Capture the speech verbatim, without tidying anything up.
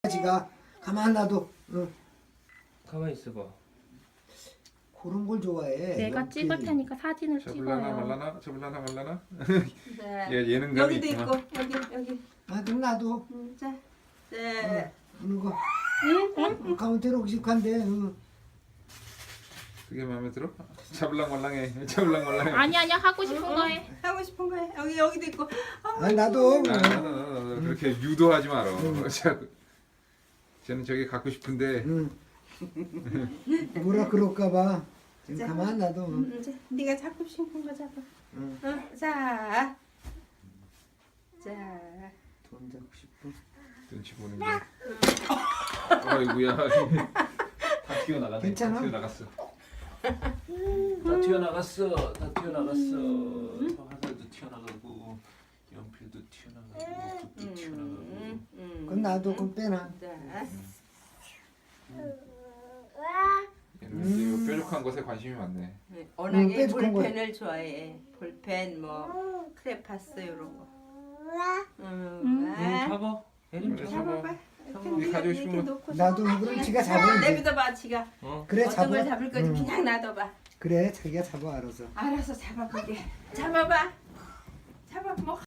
지가 가만 놔둬. 응. 가만히 있어봐. 그런 걸 좋아해. 내가 이렇게. 찍을 테니까 사진을 잡을라나 찍어요. 말라나? 잡을라나 말라나? 자, 얘 예능감이 여기도 있구나. 있고 여기 여기. 아, 좀 놔둬. 음, 자, 자, 이런 거. 응? 가면 대로 익숙한데. 응. 그게 마음에 들어? 잡을랑 말랑해. 잡을랑 말랑해. 아니 아니야 하고 싶은 거 해. 하고 싶은 거 해. 여기 여기도 있고. 어, 아, 나도. 아, 나, 나, 나, 나, 그렇게 유도하지 마라. 자꾸. 쟤는 저기 갖고 싶은데 응. 뭐라 그럴까봐. 지금 자. 가만 놔둬. 응. 음, 자, 네가 잡고 싶은 거 잡아. 응. 어, 자, 자. 돈 잡고 싶어. 눈치 보는 게. 아이고야. 다 튀어나갔네. 괜찮아? 다 튀어나갔어. 다 튀어나갔어. 다 튀어나갔어. 화살도 튀어나가고 연필도 튀어나가고 붓도 튀어나가고. 음, 음. 그건 놔둬. 그건 빼놔. 자, 얘는 음. 뾰족한 것에 관심이 많네. 네, 워낙에 빼죽한 거야. 볼펜을 좋아해. 볼펜, 뭐 크레파스 이런 거. 음, 음. 아, 잡아. 에린 그래, 잡아. 잡아봐. 네 네가 가지고 이렇게 싶은 거. 놓고 나도 잡아. 그럼 지가 그냥 잡으면 돼. 내비둬봐, 지가. 어. 그래, 어떤 잡아. 걸 잡을 건지 응. 그냥 놔둬봐. 그래, 자기가 잡아 알아서. 알아서 잡아보게. 잡아봐. 잡아, 뭐.